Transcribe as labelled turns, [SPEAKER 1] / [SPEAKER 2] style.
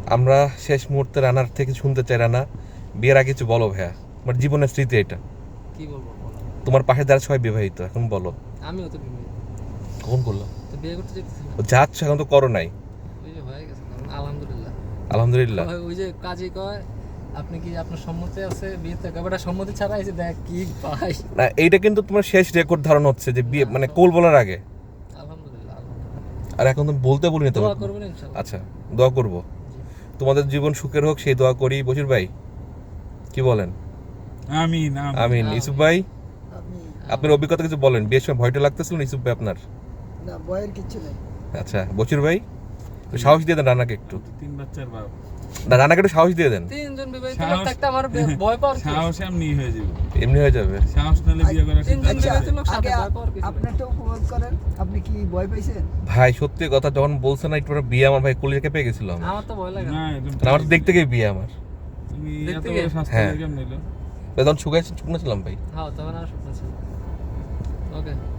[SPEAKER 1] আমরা শেষ মুহূর্তে রানার থেকে শুনতে চাই, রানা বিয়ের আগে কিছু বলো ভাইয়া, তোমার জীবনের স্মৃতি এটা।
[SPEAKER 2] কি বলবো বলো?
[SPEAKER 1] তোমার পাশে যারা সবাই বিবাহিত, এখন বলো।
[SPEAKER 2] আমিও তো বিবাহিত।
[SPEAKER 1] কখন করলো?
[SPEAKER 2] তো বিয়ে করতে যেতেছি না।
[SPEAKER 1] যাচ্ছ, এখন তো করো নাই।
[SPEAKER 2] ওই যে হয়ে গেছে, কারণ আলহামদুলিল্লাহ।
[SPEAKER 1] আলহামদুলিল্লাহ।
[SPEAKER 2] ওই যে কাজী কয় আপনি কি আপনার সম্মতি আছে বিয়েতে? কবেটা সম্মতি ছাড়া এসে দেখ কি ভাই।
[SPEAKER 1] না, এইটা কিন্তু তোমার শেষ রেকর্ড ধারণ হচ্ছে যে বিয়ে মানে কোল বলার আগে।
[SPEAKER 2] আলহামদুলিল্লাহ।
[SPEAKER 1] আর এখন তুমি বলতে বলিনি তো।
[SPEAKER 2] দোয়া করবেন ইনশাআল্লাহ।
[SPEAKER 1] আচ্ছা, দোয়া করব, তোমাদের জীবন সুখের হোক সেই দোয়া করি। বশির ভাই কি বলেন?
[SPEAKER 3] আমিন
[SPEAKER 1] আমিন। ইউসুফ ভাই,
[SPEAKER 4] আপনি
[SPEAKER 1] আপনার অভিজ্ঞতা কিছু বলেন। বিয়ের সময় ভয়টা লাগতেছিল না ইউসুফ ভাই আপনার?
[SPEAKER 4] না বয়ের কিচ্ছু নেই।
[SPEAKER 1] আচ্ছা, বশির ভাই একটু সাহস দিয়ে দেন রানাকে একটু।
[SPEAKER 3] 3 বাচ্চার বাপ।
[SPEAKER 1] না, রানাকে একটু সাহস দিয়ে দেন।
[SPEAKER 2] তিনজন বিবাহিত লোক
[SPEAKER 3] সাহস-
[SPEAKER 2] থাকতে আমার ভয় পাওয়ার কি?
[SPEAKER 3] সাহস এমনি হয়ে যাবে।
[SPEAKER 1] এমনি হয়ে যাবে।
[SPEAKER 3] সাহস নালে বিয়ে করার
[SPEAKER 2] তিনজন
[SPEAKER 3] সিদ্ধান্ত
[SPEAKER 4] আচ্ছা,
[SPEAKER 2] বিবাহিত
[SPEAKER 3] নেবে।
[SPEAKER 2] লোক সাথে
[SPEAKER 4] আগে
[SPEAKER 2] ভয় পাওয়ার কিছু নেই।
[SPEAKER 4] আপনারটা উপভোগ করেন। আপনি কি ভয় পাইছেন?
[SPEAKER 1] ভাই সত্যি কথা, যখন বলছে না একটু বিয়ে, আমার ভাই কলিজাকে পেয়ে গেছিল আমার।
[SPEAKER 2] আমার তো ভয় লাগে না।
[SPEAKER 3] না, একদম
[SPEAKER 1] আমার তো দেখতে গিয়ে বিয়ে আমার।
[SPEAKER 3] তুমি
[SPEAKER 2] দেখতে
[SPEAKER 3] এত
[SPEAKER 2] গিয়ে?
[SPEAKER 3] বড় শাস্তি
[SPEAKER 1] হ্যাঁ।
[SPEAKER 3] কেমন নিলো?
[SPEAKER 1] তখন শুকাইছিলাম ভাই।
[SPEAKER 2] হ্যাঁ তখন আর স্বপ্ন ছিল। ওকে।